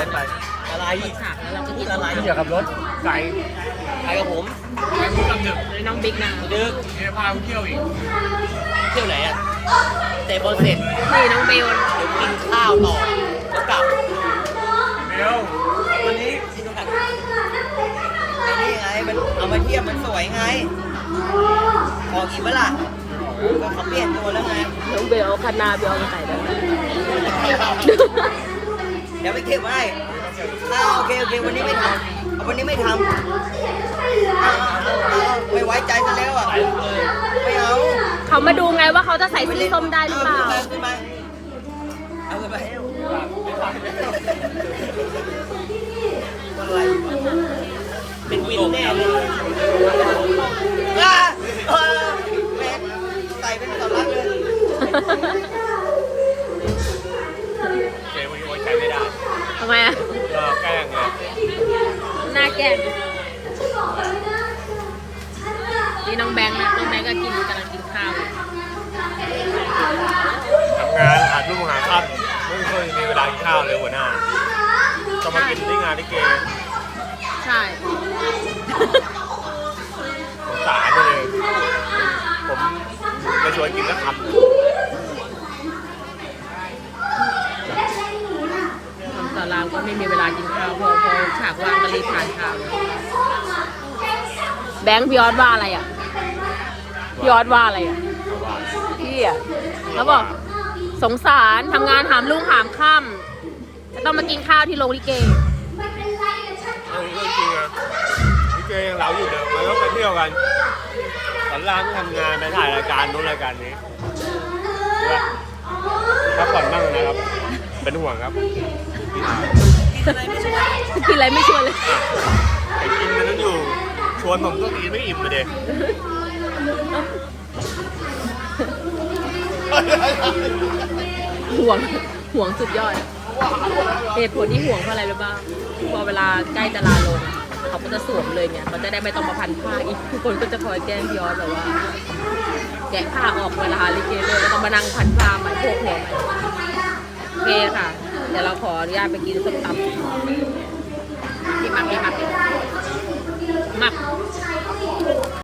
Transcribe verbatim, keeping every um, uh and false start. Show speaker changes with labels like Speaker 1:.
Speaker 1: ไปอะไรฉากแล้วเราก็กินอะไรเกี่ยวกับรถไก่ไก่กับผมไก่พูดกับดึกน้องบิ๊กนะดึกเดี๋ยวพาไปเที่ยวอีกเที่ยวไหนอ่ะเตะบอลเสร็จนี่น้องเบลเดี๋ยวกินข้าวต่อแล้วกลับเบลวันนี้ซิโนกันไอ้นี่ไงมันเอามาเทียบมันสวยไงออกอีกเมื่อไหร่ก็เขาเปลี่ยนตัวแล้วไงน้องเบลเอาคานาเบลมาใส่แล้วเดี๋ยวไปเก็บไว้อ้าวโอเคโอเควันนี้ไม่ทำวันนี้ไม่ทำไม่ไว้ใจซะแล้วอ่ะไม่เอา
Speaker 2: เขามาดูไงว่าเขาจะใส่สีส้มได้หรือเปล่า
Speaker 1: เอาไปเป็นวินแน่เลยแม่ใส่เป็นต่อรักเลยเจ๊วันนี้ไว้ใจไม่ได้
Speaker 2: ทำไมอ่ะ
Speaker 1: ก็แกล้งไง
Speaker 2: หน้าแกล้งนี่น้องแบงค์นะน้องแบงค์ก็กินกำลังกินข้าว
Speaker 1: ทำงานหาลูกหาข้าวไม่เคยมีเวลากินข้าวเลยหัวหน้าก็มากินที่งานที่เกย์
Speaker 2: ใช่
Speaker 1: สงสารเลยผมไปชวนกินแล้วครับ
Speaker 2: ทำสารามก็ไม่มีเวลากินข้าวพอพอฉากว่างก็รีบทานข้าวแบงค์พี่ออสว่าอะไรอ่ะพี่ออสว่าอะไรอ่ะพี่อ่ะเขาบอกสงสารทำงานหามลูกหามค่ำจะต้องมากินข้าวที่โรงลิเก
Speaker 1: เอาจริงๆอะลิเกยังเราอยู่เดิมเราต้องไปเที่ยวกันสอนรามทำงานไปถ่ายรายการนู้นรายการนี้พักผ่อนบ้างนะครับเป็นห่วงครับกินอะไรไม่ชวน
Speaker 2: กินอะไรไม่ชวนเลย
Speaker 1: ไอ้กินมันต้องอยู่ชวนผมก็กินไม่อิ่มเลยเด็ก
Speaker 2: ห่วงห่วงสุดยอดเหตุผลที่ห่วงเพราะอะไรรู้ป่ะพอเวลาใกล้จะลาลงเขาก็จะสวมเลยไงเขาจะได้ไม่ต้องมาพันผ้าอีกทุกคนก็จะคอยแกล้งย้อนแบบว่าแกะผ้าออกเวลาลิเกเลยแล้วก็มานั่งพันผ้าใหม่พวกหัวใหม่โอเคค่ะเดี๋ยวเราขออนุญาตไปกินส้มตำที่มักที่มักมัก